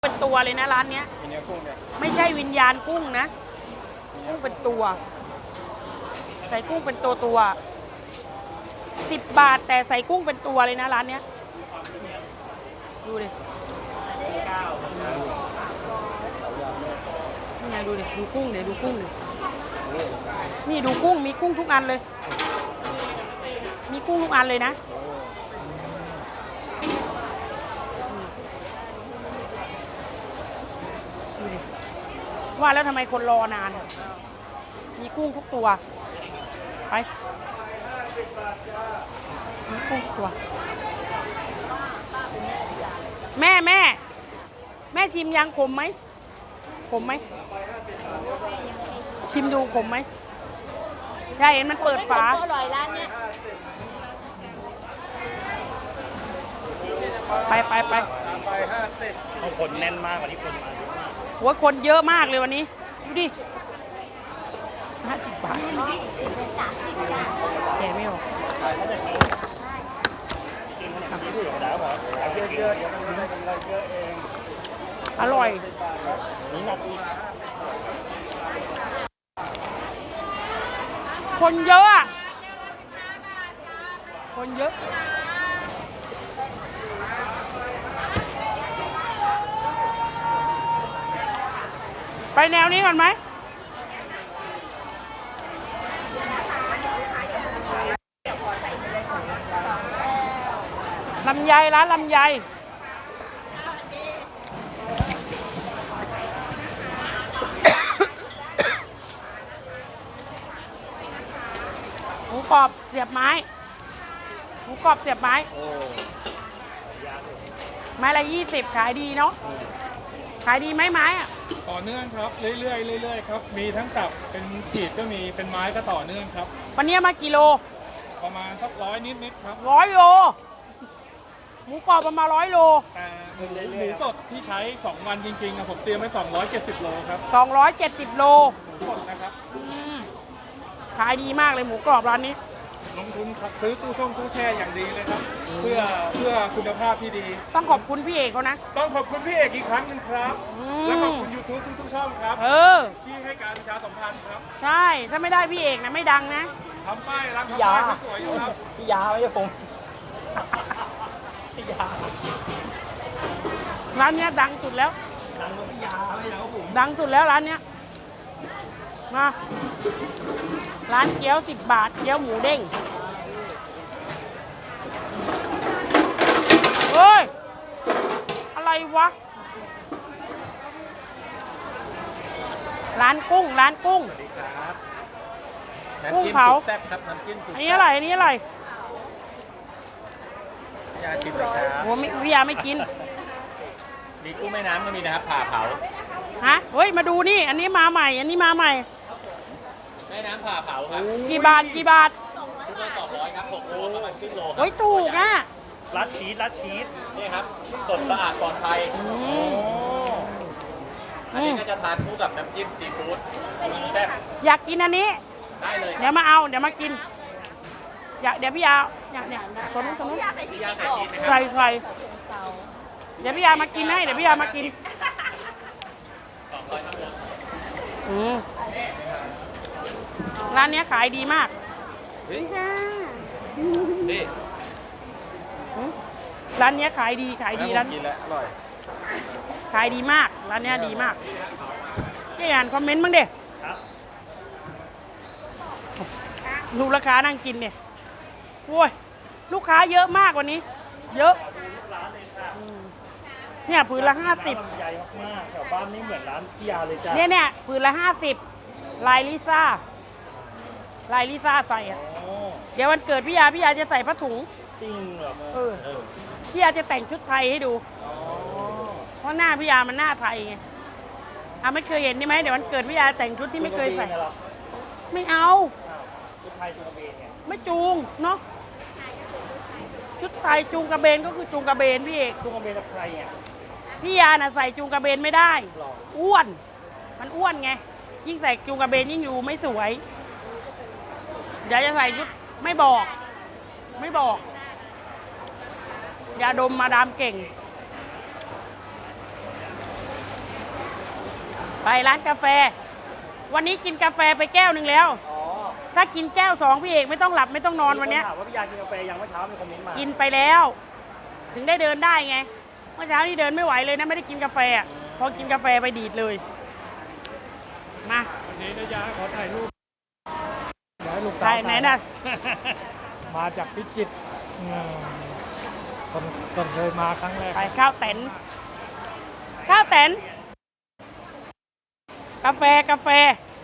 เป็นตัวเลยนะร้านเนี้ยไม่ใช่วิญญาณกุ้งนะกุ้งเป็นตัวใส่กุ้งเป็นตัว10 บาทแต่ใส่กุ้งเป็นตัวเลยนะร้านเนี้ยดูดินี่ไงดูดิดูกุ้งเดี๋ยวดูกุ้งนี่ดูกุ้งมีกุ้งทุกอันเลยมีกุ้งทุกอันเลยนะว่าแล้วทำไมคนรอนานมีกุ้งทุกตัวไปมีกุ้งทุกตัวแม่ชิมยังขมไหมขมไหมชิมดูขมไหมใช่เห็นมันเปิดฝาอร่อยร้านเนี้ยไปคนแน่นมากวันนี้คนมาเยอะมากหัวคนเยอะมากเลยวันนี้ดูดิ50 บาทแกไม่ออกอร่อยคนเยอะอะคนเยอะไปแนวนี้ก่อนไหมลำไยร้านลำไยหมูกรอบเสียบไม้หมูกรอบเสียบไม้ไม้ละ20ขายดีเนาะขายดีไหมไม้อะต่อเนื่องครับเรื่อยๆครับมีทั้งสับเป็นขีดก็มีเป็นไม้ก็ต่อเนื่องครับวันนี้มากี่โลประมาณสัก100 นิดครับ 100 โลหมูกรอบประมาณ100 โลแต่หมูสดที่ใช้2 วันจริงๆผมเตรียมไว้270 โลครับ 270 โลสดนะครับขายดีมากเลยหมูกรอบร้านนี้ลงทุนซื้อตู้แช่อย่างดีเลยครับเพื่อคุณภาพที่ดีต้องขอบคุณพี่เอกเขานะต้องขอบคุณพี่เอกอีกครั้งนึงครับและขอบคุณ YouTube ทุกช่องครับที่ให้การประชาสัมพันธ์ครับใช่ถ้าไม่ได้พี่เอกนะไม่ดังนะทำป้ายร้านทำป้ายสวยอยู่ครับพี่ยาไม่ใช่ผมพี่ยาร้านนี้ดังสุดแล้วดังกว่าพี่ยาไม่ใช่ผมดังสุดแล้วร้านนี้มาร้านเกี๊ยว10 บาทเกี๊ยวหมูเด้งเฮ้ยอะไรวะร้านกุ้งสวัสดีครับกุ้งเผาแซ่บครับน้ำจิ้มอันนี้อะไรพี่ยาชิมเลยครับโหพี่ยาไม่กินมีกุ้งแม่น้ำก็มีนะครับผ่าเผาฮะเฮ้ยมาดูนี่อันนี้มาใหม่แม่น้ำผ่าเผาครับกี่บาทชุดละ200ครับ6 โลประมาณครึ่งโลเฮ้ยถูกอ่ะรัดชีสนี่ครับสดสะอาดปลอดภัยอันนี้ก็จะทานคู่กับน้ำจิ้มซีฟู้ดแซ่บอยากกินอันนี้ได้เลยเดี๋ยวมากินเดี๋ยวพี่ยาเนี่ยคนนู้นพี่ยาใส่ชีสใส่เดี๋ยวพี่ยามากินให้ร้านนี้ขายดีมากนี่ร้านนี้ขายดีร้านกินแล้วอร่อยขายดีมากร้านนี้ดีมากพี่อ่านคอมเมนต์บ้างเด็ดูราคานั่งกินเนี่ยโอ้ยลูกค้าเยอะมากวันนี้เยอะเนี่ยผืนละ50 ใหญ่มากแถวบ้านนี่เหมือนร้านพี่ยาเลยจ้ะเนี่ยผืนละ50ลายลิซ่าใส่อ่ะเดี๋ยววันเกิดพี่ยาจะใส่ผ้าถุงจริงเหรอพี่ยาจะแต่งชุดไทยให้ดูเพราะหน้าพี่ยามันหน้าไทยไงไม่เคยเห็นใช่ไหมเดี๋ยววันเกิดพี่ยาแต่งชุดที่ไม่เคยใส่ไม่เอาชุดไทยจูงกระเบนเนี่ยไม่จูงเนาะชุดไทยจูงกระเบนก็คือจูงกระเบนพี่เอกจูงกระเบนกับใครอ่ะพี่ยาน่ะใส่จูงกระเบนไม่ได้อ้วนมันอ้วนไงยิ่งใส่จูงกระเบนยิ่งอยู่ไม่สวยเดี๋ยวจะใส่ชุดไม่บอกยาดมมาดามเก่งไปร้านกาแฟ วันนี้กินกาแฟไปแก้วหนึ่งแล้วอ๋อถ้ากินแก้ว 2พี่เอกไม่ต้องหลับไม่ต้องนอนวันเนี้ยมีคถามว่าพี่ยากินกาแฟยังเมื่อเช้ามีคอมเมนต์มากินไปแล้ว ถึงได้เดินได้ไง เมื่อเช้านี่เดินไม่ไหวเลยนะไม่ได้กินกาแฟอะพอกินกาแฟไปดีดเลย มาวันนี้นะยาขอถ่ายรูปเดี๋ยวให้ลูกสาวใช่ไหนน่ะมาจากพิจิตรคนเคยมาครั้งแรกไปข้าวแตนข้าวแตนกาแฟกาแฟ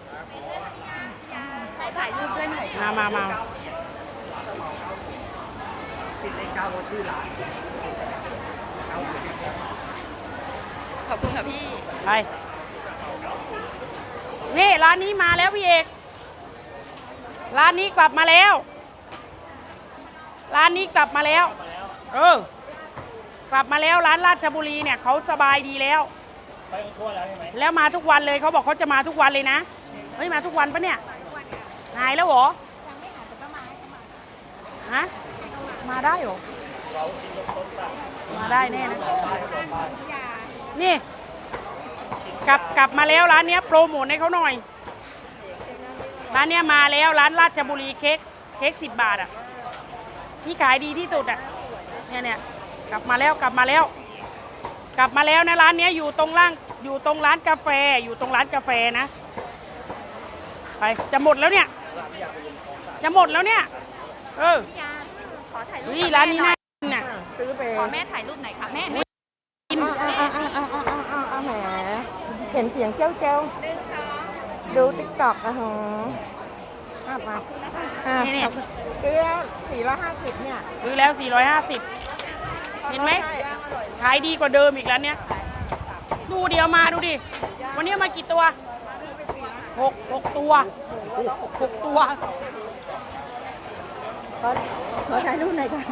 ถ่ายรูปด้วยหน่อยมาติดเลข9รถชื่อร้านขอบคุณค่ะพี่ไปนี่ร้านนี้มาแล้วพี่เอกร้านนี้กลับมาแล้วร้านนี้กลับมาแล้วกลับมาแล้วร้านราชบุรีเนี่ยเขาสบายดีแล้วไปทั่วแล้วใช่ไหมแล้วมาทุกวันเลยเขาบอกเขาจะมาทุกวันเลยนะเฮ้ยมาทุกวันปะเนี่ยหายแล้วเหรอฮะมาได้เหรอมาได้แน่นะนี่กลับมาแล้วร้านเนี้ยโปรโมทให้เขาหน่อยร้านเนี้ยมาแล้วร้านราชบุรีเค้ก10 บาทอ่ะที่ขายดีที่สุดอ่ะเนี่ยกลับมาแล้วนะร้านเนี้ยอยู่ตรงร้านกาแฟนะไปจะหมดแล้วเนี่ยขอถ่ายรูปนี่ร้านนี้น่ากินน่ะซื้อไปขอแม่ถ่ายรูปหน่อยค่ะแม่กินแหมเห็นเสียงเจ้าเจ้าดูติ๊กต็อกอะฮะมาเกลือ450เนี่ยซื้อแล้ว450เห็นไหมขายดีกว่าเดิมอีกแล้วเนี่ยดูเดียวมาดูดิวันนี้มากี่ตัว6 ตัว6 ตัวขอถ่ายรูปหน่อยค่ะ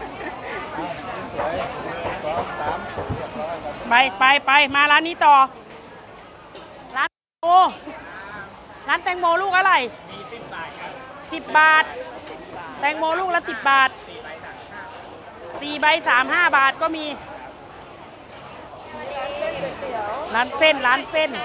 ไปมาร้านนี้ต่อร้านแตงโมลูกอะไร10 บาทแตงโมลูกละ10 บาท4 ใบ 35 บาทก็มีร้านเส้นร้าน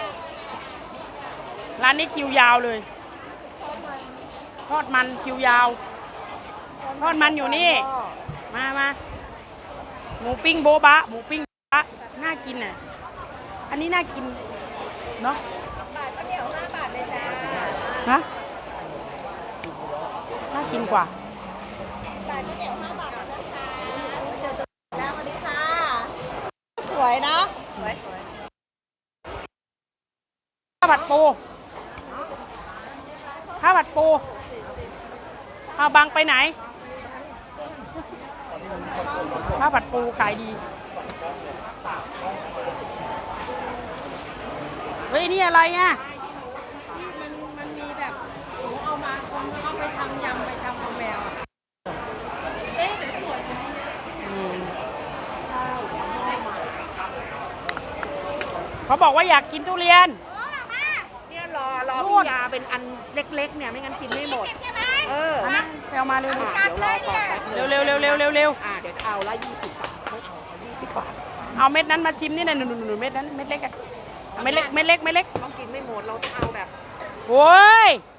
นี้คิวยาวเลยทอดมันคิวยาวทอดมันอยู่นี่มาหมูปิ้งโบบะน่ากินอ่ะอันนี้น่ากินเนาะฮะน่ากินกว่าแล้วสวัสดีค่ะ สวยเนาะข้าวผัดปูเอาบังไปไหนข้าวผัดปูขายดีเฮ้ยนี่อะไรอ่ะมันมีแบบหนูเอามาเอาไปทำยำไปทำของแมวเอ๊ะแต่สวยนะเขาบอกว่าอยากกินทุเรียนเนี่ยรอพี่ยาเป็นอันเล็กๆเนี่ยไม่งั้นกินไม่หมดอันนั้นเอามาเร็วเดี๋ยวรอก่อนแป๊บนึงเร็วเดี๋ยวจะเอาละ20 บาท20 บาทเอาเม็ดนั้นมาชิมนี่นะหนูเม็ดนั้นเม็ดเล็กอะเม็ดเล็กต้องกินไม่หมดเราต้องเอาแบบโอ้ย